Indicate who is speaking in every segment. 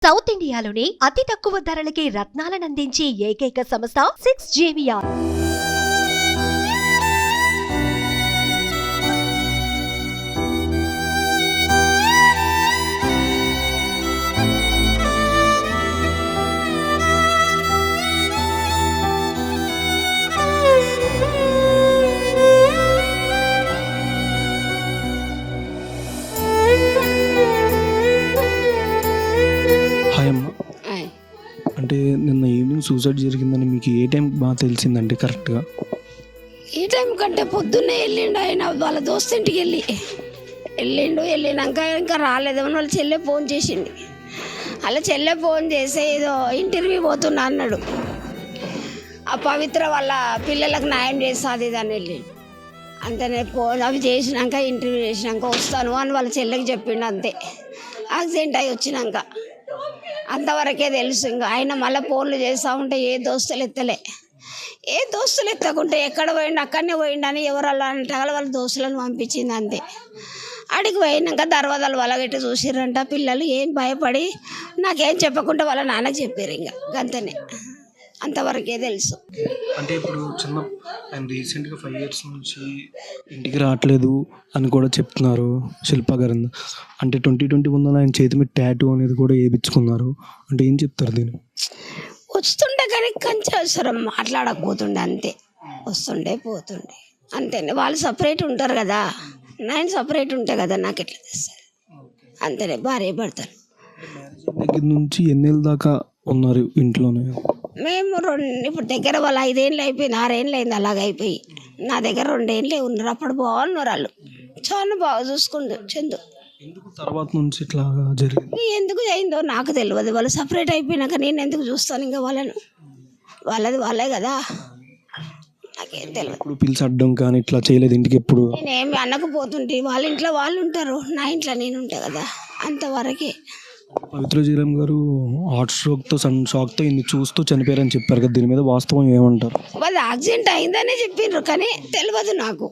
Speaker 1: South ఇండియాలోని అతి తక్కువ ధరలకి రత్నాలనందించే ఏకైక సంస్థ 6JVR.
Speaker 2: హాయ్ అమ్మ.
Speaker 3: ఆయ్.
Speaker 2: అంటే నిన్న ఈవినింగ్ సూసైడ్ జరిగిందని మీకు ఏ టైం బాగా తెలిసిందంటే కరెక్ట్గా?
Speaker 3: ఈ టైం కంటే పొద్దున్నే వెళ్ళిండు ఆయన వాళ్ళ దోస్తు ఇంటికి వెళ్ళినాక ఇంకా రాలేదేమో వాళ్ళ చెల్లె ఫోన్ చేసింది. వాళ్ళ చెల్లె ఫోన్ చేసి ఏదో ఇంటర్వ్యూ పోతున్నా అన్నాడు. ఆ పవిత్ర వాళ్ళ పిల్లలకు న్యాయం చేస్తుంది అని వెళ్ళిండు. అంతనే ఫోన్ అవి చేసినాక ఇంటర్వ్యూ చేసినాక వస్తాను అని వాళ్ళ చెల్లెకి చెప్పిండు. అంతే యాక్సిడెంట్ అయి వచ్చినాక అంతవరకే తెలుసు. ఇంకా ఆయన మళ్ళీ ఫోన్లు చేస్తూ ఉంటే ఏ దోస్తులు ఎత్తకుంటే ఎక్కడ పోయిండు అక్కడనే పోయిండని ఎవరల్లా అంటే వాళ్ళ దోస్తులను పంపించింది. అంతే అడిగి పోయినాక దర్వాజాలు వలగట్టి చూసిర్రంట పిల్లలు. ఏం భయపడి నాకేం చెప్పకుండా వాళ్ళ నాన్నకి చెప్పారు. ఇంకా గంతనే అంతవరకే తెలుసు.
Speaker 2: అంటే ఇప్పుడు ఆయన రీసెంట్గా 5 years నుంచి ఇంటికి రావట్లేదు అని కూడా చెప్తున్నారు శిల్ప గారు. అంటే 2021 ఆయన చేతి మీద టాటూ అనేది కూడా వేయించుకున్నారు. అంటే ఏం చెప్తారు దీన్ని?
Speaker 3: వస్తుండే కానీ కొంచెం అవసరం మాట్లాడకపోతుండే. అంతే వస్తుండే పోతుండే అంతేనే. వాళ్ళు సపరేట్ ఉంటారు కదా, నేను సపరేట్ ఉంటా కదా, నాకు ఎట్లా తెస్తారు అంతేనే. భార్య భర్తలు
Speaker 2: దగ్గర నుంచి ఎన్నేళ్ళ దాకా ఉన్నారు ఇంట్లోనే?
Speaker 3: మేము ఇప్పుడు దగ్గర వాళ్ళు 5 ఏళ్ళు అయిపోయింది, 6 ఏళ్ళు అయింది అలాగైపోయి. నా దగ్గర 2 ఏళ్ళే ఉన్నారు. అప్పుడు బాగున్నారు వాళ్ళు, చాలా బాగా చూసుకుండు చందు.
Speaker 2: ఎందుకు తర్వాత నుంచి ఇట్లా జరిగింది?
Speaker 3: ఎందుకు అయిందో నాకు తెలియదు. వాళ్ళు సపరేట్ అయిపోయినాక నేను ఎందుకు చూస్తాను ఇంకా వాళ్ళను? వాళ్ళే కదా, నాకేం తెలియదు.
Speaker 2: ఇప్పుడు పిలిచడ్డం కానీ ఇట్లా చేయలేదు ఇంటికి ఎప్పుడు?
Speaker 3: నేనేమి అనకపోతుంటే వాళ్ళ ఇంట్లో వాళ్ళు ఉంటారు, నా ఇంట్లో నేను ఉంటా కదా, అంతవరకే.
Speaker 2: పవిత్ర జీరం గారు హార్ట్ స్ట్రోక్తో షాక్తో ఇన్ని చూస్తూ చనిపోయారని చెప్పారు కదా, దీని మీద వాస్తవం ఏమంటారు?
Speaker 3: వాళ్ళు యాక్సిడెంట్ అయిందనే చెప్పిండ్రు కానీ తెలియదు నాకు.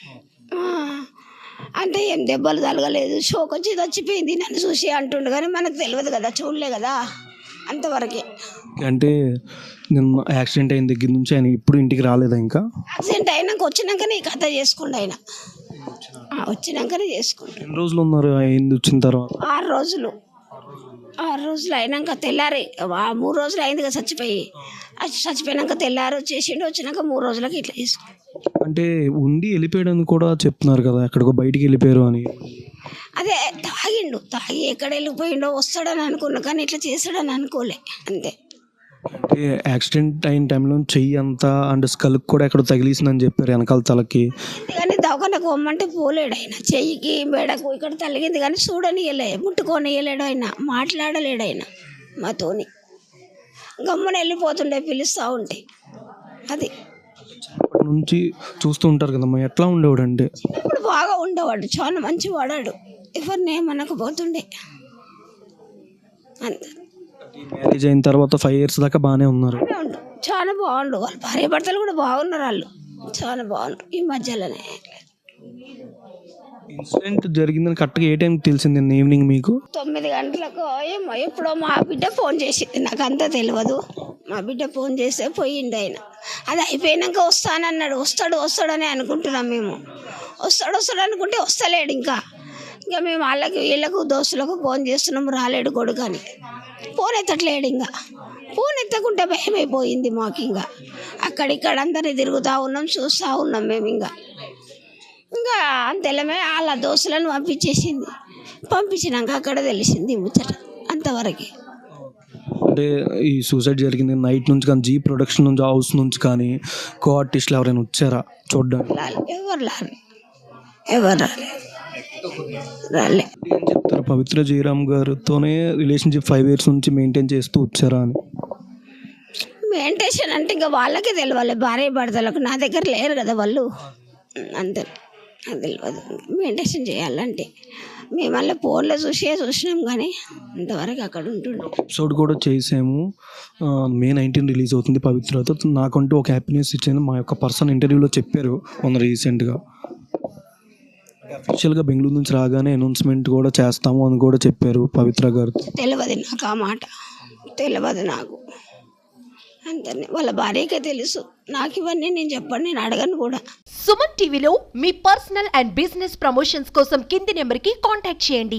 Speaker 3: అంటే ఏం దెబ్బలు తలగలేదు, షోక్ వచ్చి చచ్చిపోయింది నన్ను చూసి అంటుండు కానీ మనకు తెలియదు కదా, చూడలే కదా, అంతవరకే.
Speaker 2: అంటే నిన్న యాక్సిడెంట్ అయిన దగ్గర నుంచి ఆయన ఇప్పుడు ఇంటికి రాలేదా? ఇంకా
Speaker 3: యాక్సిడెంట్ అయినాక వచ్చినాకనే ఈ కథ చేసుకుండు ఆయన. వచ్చినాకనే చేసుకుంటాడు.
Speaker 2: ఎన్ని రోజులు ఉన్నారు అయింది వచ్చిన తర్వాత?
Speaker 3: 6 రోజులు. 6 రోజులు అయినాక తెల్లారి 3 రోజులు అయింది కదా చచ్చిపోయినాక తెల్లారి వచ్చేసిండు. వచ్చినాక 3 రోజులకి ఇట్లా తీసుకుంటాడు.
Speaker 2: అంటే ఉండి వెళ్ళిపోయాడని కూడా చెప్తున్నారు కదా, ఎక్కడికో బయటికి వెళ్ళిపోయారు అని.
Speaker 3: అదే తాగి ఎక్కడ వెళ్ళిపోయిండో వస్తాడని అనుకున్నా కానీ ఇట్లా చేస్తాడని అనుకోలే. అంతే.
Speaker 2: అంటే యాక్సిడెంట్ అయిన టైంలో చెయ్యి అంతా అండ్ స్కల్కి కూడా ఎక్కడ తగిలిసిందని చెప్పారు, వెనకాల తలకి.
Speaker 3: కానీ దవాఖానకు పోమ్మంటే పోలేడు ఆయన. చెయ్యికి మెడకు ఇక్కడ తలిగింది కానీ చూడనియలే, ముట్టుకోనియలేడు ఆయన, మాట్లాడలేడు ఆయన మాతోని. గమ్మున వెళ్ళిపోతుండే పిలుస్తూ ఉంటే. అది
Speaker 2: అప్పటి నుంచి చూస్తూ ఉంటారు కదమ్మా, ఎట్లా ఉండేవాడు అంటే?
Speaker 3: ఇప్పుడు బాగా ఉండేవాడు, చాలా మంచి వాడాడు, ఎవరిని ఏమనకపోతుండే. అంతే.
Speaker 2: మ్యారేజ్ అయిన తర్వాత 5 years దాకా బాగానే ఉన్నారు.
Speaker 3: చాలా బాగుండు. వాళ్ళ భార్య భర్తలు కూడా బాగున్నారు, వాళ్ళు చాలా బాగుండ్రు. ఈ మధ్యలోనే
Speaker 2: ఇన్సిడెంట్ జరిగిందని కరెక్ట్గా ఏ టైంకి తెలిసింది? ఈవినింగ్ మీకు
Speaker 3: 9 గంటలకు ఏమో ఎప్పుడో మా బిడ్డ ఫోన్ చేసింది, నాకు అంతా తెలియదు. మా బిడ్డ ఫోన్ చేస్తే పోయిండు ఆయన. అది అయిపోయినాక వస్తానన్నాడు. వస్తాడని అనుకుంటున్నాం మేము. వస్తాడు అనుకుంటే వస్తలేడు. ఇంకా మేము వీళ్ళకు దోస్తులకు ఫోన్ చేస్తున్నాము, రాలేడు కొడుకు అని. ఫోన్ ఎత్తట్లేడు. ఇంకా ఫోన్ ఎత్తకుంటే భయం అయిపోయింది మాకు. ఇంకా అక్కడిక్కడ అందరినీ తిరుగుతూ ఉన్నాం, చూస్తూ ఉన్నాం మేము. ఇంకా అంతేలమే వాళ్ళ దోస్తులను పంపించినాక అక్కడ తెలిసింది ముచ్చట, అంతవరకే.
Speaker 2: అంటే ఈ సూసైడ్ జరిగింది నైట్ నుంచి కానీ జీ ప్రొడక్షన్ నుంచి, హౌస్ నుంచి కానీ కో ఆర్టిస్టులు ఎవరైనా వచ్చారా చూడడానికి?
Speaker 3: ఎవరు రాలే.
Speaker 2: ఏం చెప్తారు? పవిత్ర జయరామ్ గారితోనే రిలేషన్షిప్ 5 years నుంచి మెయింటైన్ చేస్తూ వచ్చారా అని?
Speaker 3: మెయింటైన్ అంటే ఇంకా వాళ్ళకే తెలియాలి, భార్య భర్తలకు. నా దగ్గర లేరు కదా వాళ్ళు, అంతే. నాకు తెలియదు మెయింటైన్ చేయాలంటే. మేము మళ్ళీ ఫోన్లో చూసినాం కానీ అంతవరకు అక్కడ ఉంటుండే.
Speaker 2: ఎపిసోడ్ కూడా చేసాము, May 19 రిలీజ్ అవుతుంది పవిత్రతో. నాకంటూ ఒక హ్యాపీనెస్ ఇచ్చింది మా యొక్క పర్సన్ ఇంటర్వ్యూలో చెప్పారు మొన్న రీసెంట్గా. అఫీషియల్గా బెంగళూరు నుంచి రాగానే అనౌన్స్మెంట్ కూడా చేస్తాము అని కూడా చెప్పారు పవిత్ర గారు.
Speaker 3: తెలియదు నాకు ఆ మాట, తెలియదు నాకు. అంతనే వాళ్ళ భార్యకే తెలుసు. నాకు ఇవన్నీ నేను చెప్పండి, నేను అడగను కూడా.
Speaker 1: సుమన్ టీవీలో మీ పర్సనల్ అండ్ బిజినెస్ ప్రమోషన్స్ కోసం కింది నెంబర్కి కాంటాక్ట్ చేయండి.